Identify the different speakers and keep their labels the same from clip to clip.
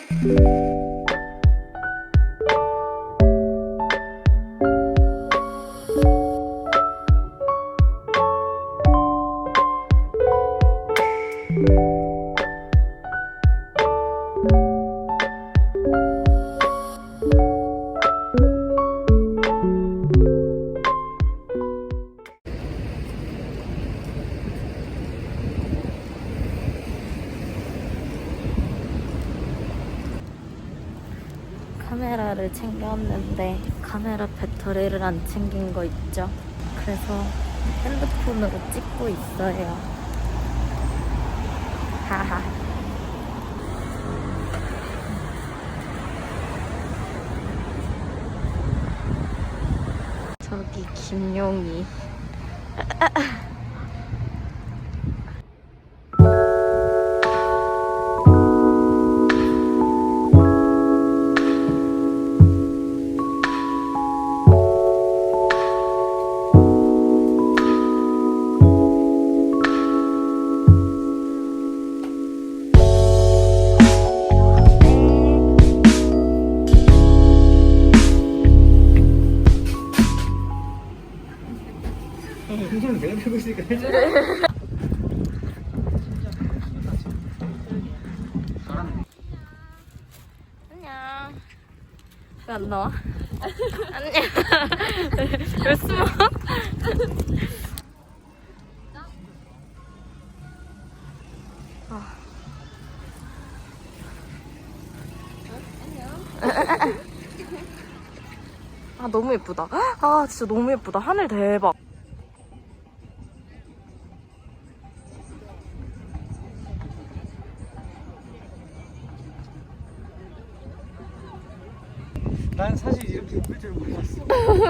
Speaker 1: 카메라를 챙겼는데 카메라 배터리를 안 챙긴 거 있죠? 그래서 핸드폰으로 찍고 있어요. 하하. 저기 김용이.
Speaker 2: 풍선을 내가 들고 있으니까 해줘.
Speaker 1: 안녕. 왜 안 나와? 안녕. 왜 숨어? 아 너무 예쁘다. 아 진짜 너무 예쁘다. 하늘 대박.
Speaker 2: 난 사실 이렇게 예쁠 줄 몰랐어.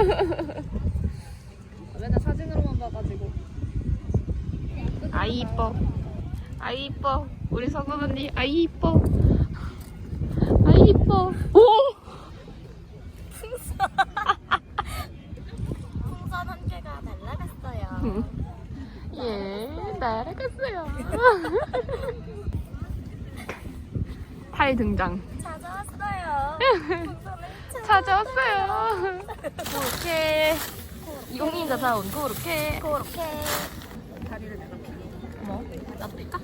Speaker 3: 맨날 사진으로만 봐가지고.
Speaker 1: 아이 이뻐. 아이 이뻐. 우리 성은 언니 아이 이뻐. 아이 이뻐. 오! 풍선. 풍선 한 개가 날아갔어요. 예, 날아갔어요. 팔 등장. 찾아왔어요. 찾아왔어요. 그렇게 용인자 사온 그렇게 다리를 내가 피니. 뭐? 나도 필까?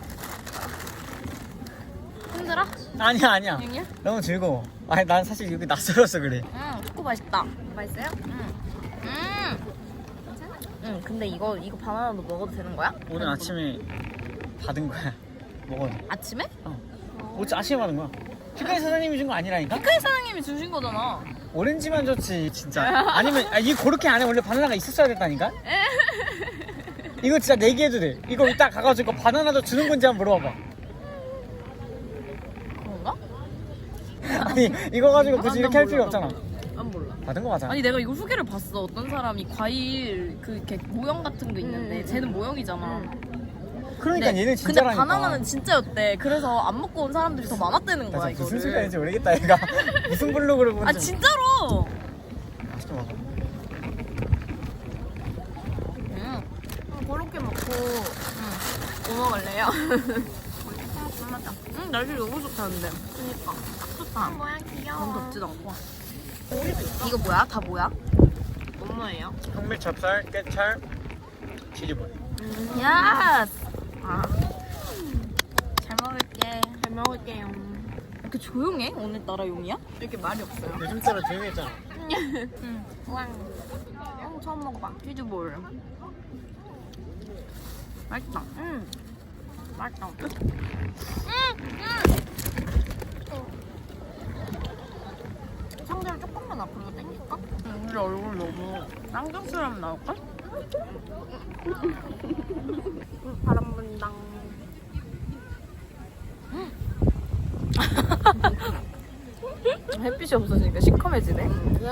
Speaker 1: 힘들어?
Speaker 2: 아니야.
Speaker 1: 용이야?
Speaker 2: 너무 즐거워. 아니 난 사실 여기 낯설어서 그래.
Speaker 1: 초코 맛있다.
Speaker 3: 맛있어요?
Speaker 1: 응, 근데 이거 바나나도 먹어도 되는 거야?
Speaker 2: 오늘 아침에 받은 거야. 먹어요.
Speaker 1: 아침에?
Speaker 2: 어째 아침에 받은 거야. 피카리 사장님이 준 거 아니라니까?
Speaker 1: 피카리 사장님이 주신 거잖아.
Speaker 2: 오렌지만 줬지 진짜. 아니면 이 고로케 안에 원래 바나나가 있었어야 됐다니까? 이거 진짜 내기해도 돼. 이거 이따 가가지고 바나나도 주는 건지 한번 물어봐봐.
Speaker 1: 그런가?
Speaker 2: 아니 이거 가지고 굳이 이렇게 할 필요 없잖아.
Speaker 1: 안 몰라.
Speaker 2: 받은 거 맞아.
Speaker 1: 아니 내가 이거 후기를 봤어. 어떤 사람이 과일 그 이렇게 모형 같은 거 있는데 쟤는 모형이잖아.
Speaker 2: 그러니까
Speaker 1: 근데-
Speaker 2: 얘는 진짜라니까.
Speaker 1: 근데 바나나는 진짜였대. 그래서 안 먹고 온 사람들이 더 많았다는 거야
Speaker 2: 나 진짜 무슨
Speaker 1: 이거를.
Speaker 2: 소리 하는지 모르겠다 얘가. 무슨 블로그를 보는지.
Speaker 1: 아 진짜로?
Speaker 2: 맛있게 먹어.
Speaker 1: 그렇게 먹고 뭐 먹을래요? 맞아. 날씨 너무 좋다는데. 그니까 딱 좋다. 뭐야 귀여워. 너무 덥지도 않고. 이거 뭐야? 다 뭐야? 뭐예요?
Speaker 2: 현미 찹쌀, 깨찰, 치즈볼.
Speaker 1: 야스! 아. 잘 먹을게. 잘 먹을게요. 이렇게 조용해? 오늘따라 용이야? 이렇게 말이 없어요.
Speaker 2: 진짜로 조용했잖아.
Speaker 1: 응. 우왕. 처음 먹어봐. 치즈볼. 맛있다. 맛있다. 상대를 조금만 앞으로 당길까? 우리 얼굴 너무 쌍둥스러움 나올까? 바람 분당. 햇빛이 없어지니까 시커매지네.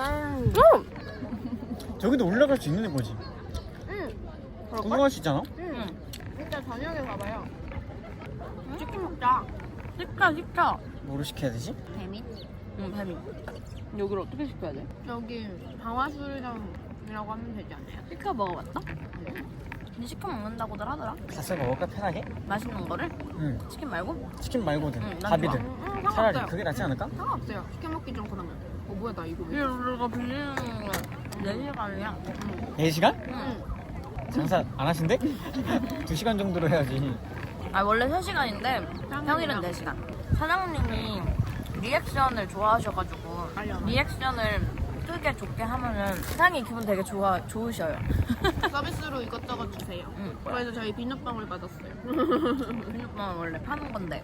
Speaker 2: 저기도 올라갈 수 있는 거지. 구경할 수 있잖아.
Speaker 3: 일단 저녁에 가봐요.
Speaker 1: 치킨 먹자. 시켜.
Speaker 2: 뭐로 시켜야 되지?
Speaker 1: 배민? 응, 배민. 여기를 어떻게 시켜야 돼?
Speaker 3: 저기 방화수리장이라고 하면 되지 않아요?
Speaker 1: 시켜 먹어봤어? 근데 시켜 먹는다고들 하더라.
Speaker 2: 닭살 먹을까 편하게?
Speaker 1: 맛있는 거를?
Speaker 2: 응.
Speaker 1: 치킨 말고?
Speaker 2: 치킨 말고든
Speaker 1: 응, 난
Speaker 2: 밥이든
Speaker 1: 좋아.
Speaker 2: 차라리
Speaker 3: 상관없어요.
Speaker 2: 그게 낫지 않을까?
Speaker 3: 상관없어요. 시켜 먹기 좀 그러면. 뭐야 나 이거 왜?
Speaker 1: 이거 빌리는 거 4시간이야.
Speaker 2: 4시간?
Speaker 1: 응.
Speaker 2: 장사 안 하신대? 2시간 정도로 해야지.
Speaker 1: 아 원래 3시간인데 평일은 4시간. 사장님이 리액션을 좋아하셔가지고 리액션을 크게 좋게 하면은 사장님 기분 되게 좋으셔요.
Speaker 3: 서비스로 이것저것 주세요.
Speaker 1: 응.
Speaker 3: 그래서 저희 비눗방울 받았어요.
Speaker 1: 비눗방울 원래 파는 건데.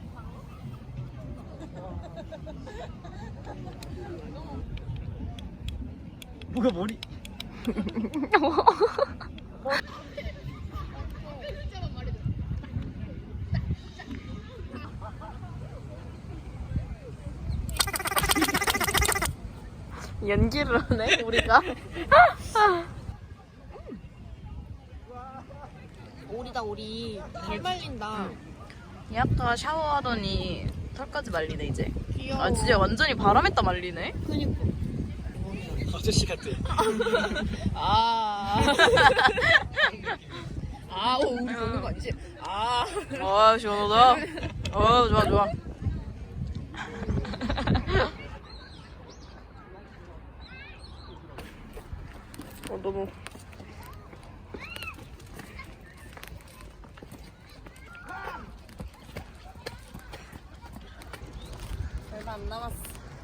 Speaker 2: 뭐가 머리?
Speaker 1: 연기를 하네 우리가.
Speaker 3: 오리다 오리. 잘 말린다.
Speaker 1: 이 아까 샤워하더니 털까지 말리네 이제.
Speaker 3: 귀여워.
Speaker 1: 아 진짜 완전히 바람에다 말리네.
Speaker 3: 그니까.
Speaker 2: 아저씨 같아.
Speaker 3: 아. 아, 오, 우리 먹는 거 아니지? 아.
Speaker 1: 아 시원하다. 좋아 좋아. 너무. 얼마 안 남았어.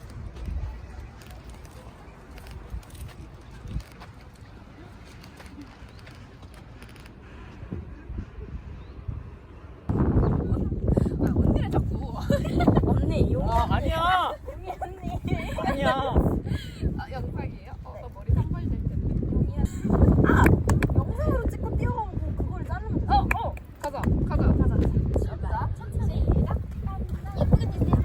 Speaker 1: 언니를 자꾸. 언니 용.
Speaker 2: 아 아니야. 아니야.
Speaker 3: 아, 영상이에요? 나 머리 산발될 텐데.
Speaker 1: 영상으로 찍고 뛰어가고 그거를 자르면 돼.
Speaker 3: 가자, 가자.
Speaker 1: 시작. 천천히. 예쁘게 뛰세요.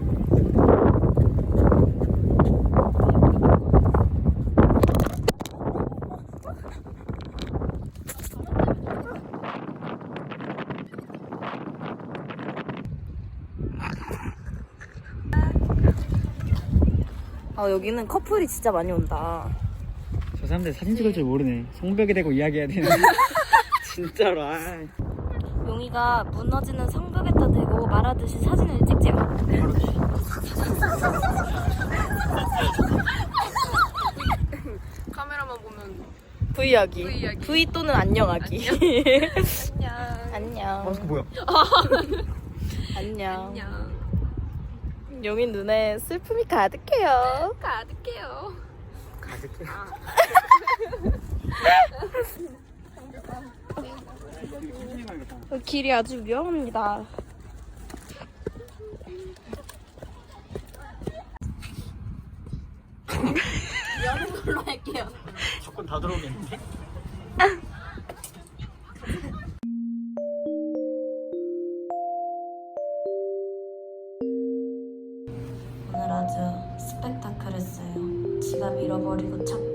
Speaker 1: 여기는 커플이 진짜 많이 온다.
Speaker 2: 저 사람들 사진 찍을 줄 모르네. 성벽에 대고 이야기해야 되는. 진짜로. 아.
Speaker 1: 용이가 무너지는 성벽에다 대고 말하듯이 사진을 찍지요.
Speaker 3: 카메라만 보면.
Speaker 1: V하기. V 또는 안녕하기.
Speaker 3: 안녕.
Speaker 1: 안녕.
Speaker 2: 마스크 뭐야?
Speaker 1: 안녕.
Speaker 3: 안녕.
Speaker 1: 용이 눈에 슬픔이 가득해요.
Speaker 3: 가득해요.
Speaker 2: 가득해.
Speaker 1: 길이 아주 위험합니다. 여는 걸로 할게요.
Speaker 2: 조건 다 들어오겠는데?
Speaker 1: 오늘 아주 스펙타클했어요. 지갑 잃어버리고 찾고